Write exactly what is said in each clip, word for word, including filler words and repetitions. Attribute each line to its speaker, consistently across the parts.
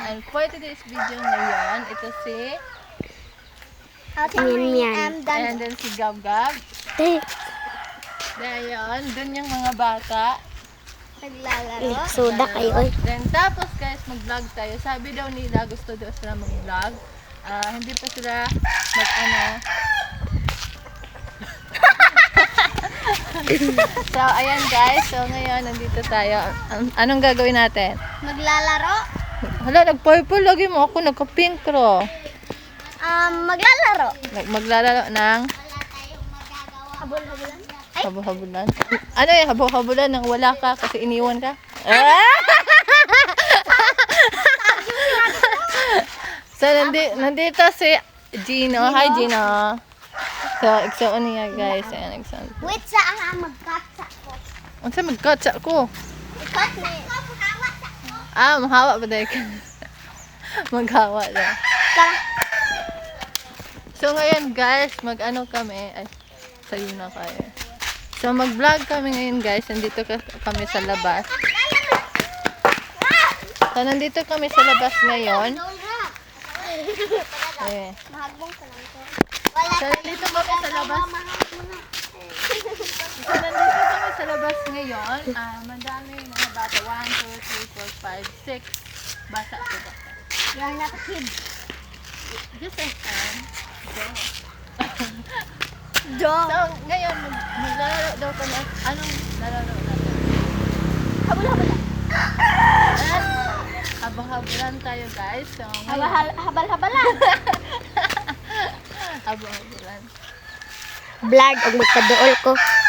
Speaker 1: and for today's video ngayon, ito si
Speaker 2: Mian Mian.
Speaker 1: and then si Gab Gab.
Speaker 2: Eh,
Speaker 1: Dayon, dun yung mga bata.
Speaker 2: eh, soda kayo. Oy.
Speaker 1: Then tapos guys, mag-vlog tayo. Sabi daw nila gusto daw sila mag-vlog. Ah, hindi pa sila mag-ano. So, ayan guys. So, ngayon, nandito tayo. An- anong gagawin natin?
Speaker 2: Maglalaro?
Speaker 1: Hala, nag-purple lagi mo ako. Nagka-pink ro.
Speaker 2: Um, maglalaro.
Speaker 1: Nag- maglalaro ng
Speaker 2: Habol-habulan?
Speaker 1: habo-habulan. Ano yung habo-habulan nang wala ka kasi iniwan ka? Ah! So, nandi, nandito si Gino. Hi, Gino. So, igsoon niya, guys. Ayan, igsoon.
Speaker 2: Wait sa ang magkatsa ko.
Speaker 1: Ano sa magkatsa ko?
Speaker 2: Ikat na eh.
Speaker 1: Ah, mahawa ba dahil ka? Maghawa na.
Speaker 2: Tara.
Speaker 1: So, ngayon, guys, mag-ano kami. Ay, sayo na kayo. So, mag-vlog kami ngayon, guys. Nandito ka kami sa labas. So, nandito kami sa labas ngayon. Eh.
Speaker 2: Mahagbong ka lang ko.
Speaker 1: So, nandito kami sa labas. So, nandito kami sa labas ngayon. Ah, madami yung mga bata. one, two, three, four, five, six. Bata ko ba?
Speaker 2: Yan na kid.
Speaker 1: Just a time.
Speaker 2: Do.
Speaker 1: So, ngayon, mag- maglalaro daw kami. Anong lalaro natin?
Speaker 2: Habol-habulan.
Speaker 1: At, habang-habulan tayo, guys. So, ngayon,
Speaker 2: Habal-habalan.
Speaker 1: habang-habulan.
Speaker 2: Vlog og magkaduol ko.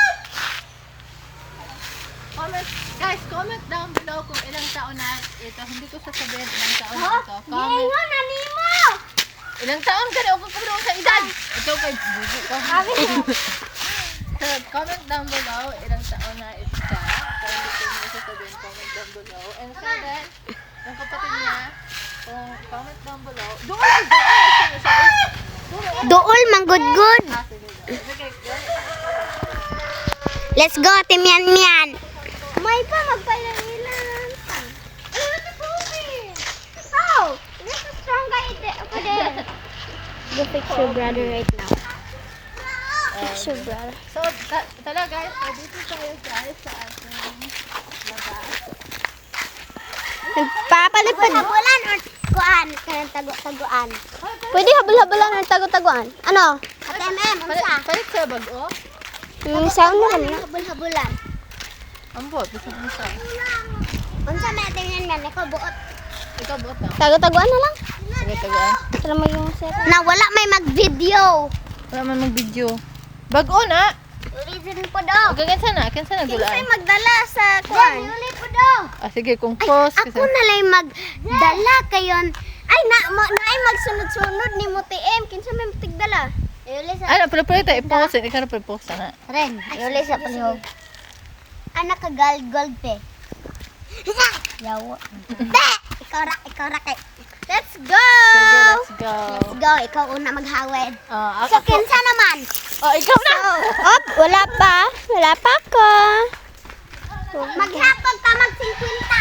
Speaker 1: Comment, guys, comment down below kung ilang taon na ito. Hindi ko sasabihin ilang taon na ito. Comment.
Speaker 2: Ngayon na nimo.
Speaker 1: Ilang taon ka na? Huwag ka sa edad. Ito kay bubu ko. So, comment down below ilang taon na ito siya. So, hindi ko nyo sasabihin. Comment down below. And so then, yung kapatid niya, kung comment down below. Doon lang, doon. Sino siya? Doon.
Speaker 2: Duol manggudgud.
Speaker 1: Ah, sige. Sige, sige.
Speaker 2: Let's go, Ate Mian Mian. May pa magpailan-ilan. Ano na po eh? How? This is strong guy ako din. Go picture brother right now. Picture brother.
Speaker 1: So, ta- tala guys, so dito tayo guys sa ating labas.
Speaker 2: Nagpapalipad. Habulan or kuan? Kanang tago-taguan. Pwede habol-habulan or tago-taguan. Ano? Ate M M,
Speaker 1: Palit, palit sa bago.
Speaker 2: Yung sound na kami. Habol-habulan.
Speaker 1: Ang bot, gusto mo siya.
Speaker 2: Unsa may Ate Mian Mian? Ikaw buot.
Speaker 1: Ikaw bot na.
Speaker 2: Tago-taguan na lang.
Speaker 1: Sige, tagaan.
Speaker 2: Sala mo yung set. Na wala may mag-video.
Speaker 1: Wala man mag-video. Bago na.
Speaker 2: Reason po daw.
Speaker 1: Okay, kinsa na? Kinsa na
Speaker 2: Kinsay
Speaker 1: gulaan?
Speaker 2: magdala sa kuan? Uli po daw.
Speaker 1: Ah, sige, kung
Speaker 2: Ay,
Speaker 1: post.
Speaker 2: ako na lang magdala kayon. Ay, na, ma, na ay magsunod-sunod ni mo T M. Kinsa may matigdala? Uli sa...
Speaker 1: Ano, pala pala tayo i-post. Ikaw na pala post na.
Speaker 2: Ren, uli sa palihog. Anak ka gold gold pe. Yawa. Te! Ikaw ra, ikaw ra kay. Let's go!
Speaker 1: Sige, let's go.
Speaker 2: Let's go. Ikaw una maghawid.
Speaker 1: Ah,
Speaker 2: So,
Speaker 1: ako.
Speaker 2: kinsa naman?
Speaker 1: Oh, ikaw na.
Speaker 2: Op, wala pa. Wala pa ako. Maghapon ka mag-fifty.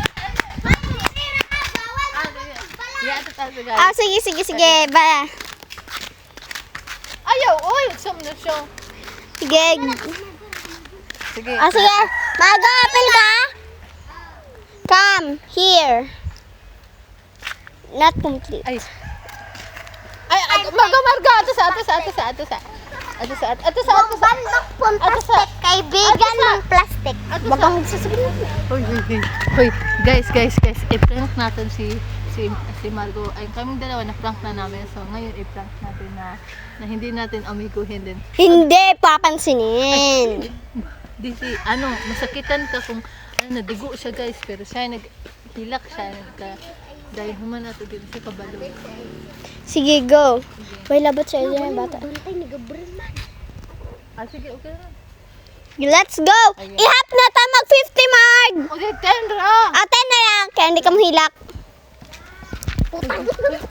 Speaker 1: Ah, sige. Yeah, ito tayo guys.
Speaker 2: Ah, sige, sige, sige. Ba.
Speaker 1: Ayaw, oy. Sum na siya.
Speaker 2: Sige.
Speaker 1: Sige.
Speaker 2: Ah, sige. Mag-apple ka? Come here. Not complete.
Speaker 1: Ay. Ay, ay, magamarga. Ato sa, ato sa, ato sa, ato sa. Ato sa, ato sa, ato sa.
Speaker 2: Bandok pun
Speaker 1: Ato sa.
Speaker 2: plastic. Kaibigan ng plastic.
Speaker 1: Ato sa.
Speaker 2: Baka magsasabihin.
Speaker 1: Hoy, hoy, hoy. Hoy, guys, guys, guys. I-prank natin si si si Margo. Ay, kaming dalawa na prank na namin. So, ngayon i-prank natin na na hindi natin amiguhin din.
Speaker 2: Hindi, papansinin.
Speaker 1: Di si, ano, masakitan ka kung ano, nadugo siya guys. Pero siya, naghilak siya. Nagka, dahil human nato dito sa kabalo.
Speaker 2: Sige, go. May labot sa iyo yung bata. Bantay ni Gabriel man.
Speaker 1: Ah, sige, okay na.
Speaker 2: Let's go!
Speaker 1: Ayun.
Speaker 2: Ihap na ta mag-fifty mark!
Speaker 1: Okay, ten ra!
Speaker 2: Ate na lang, kaya hindi ka mahilak.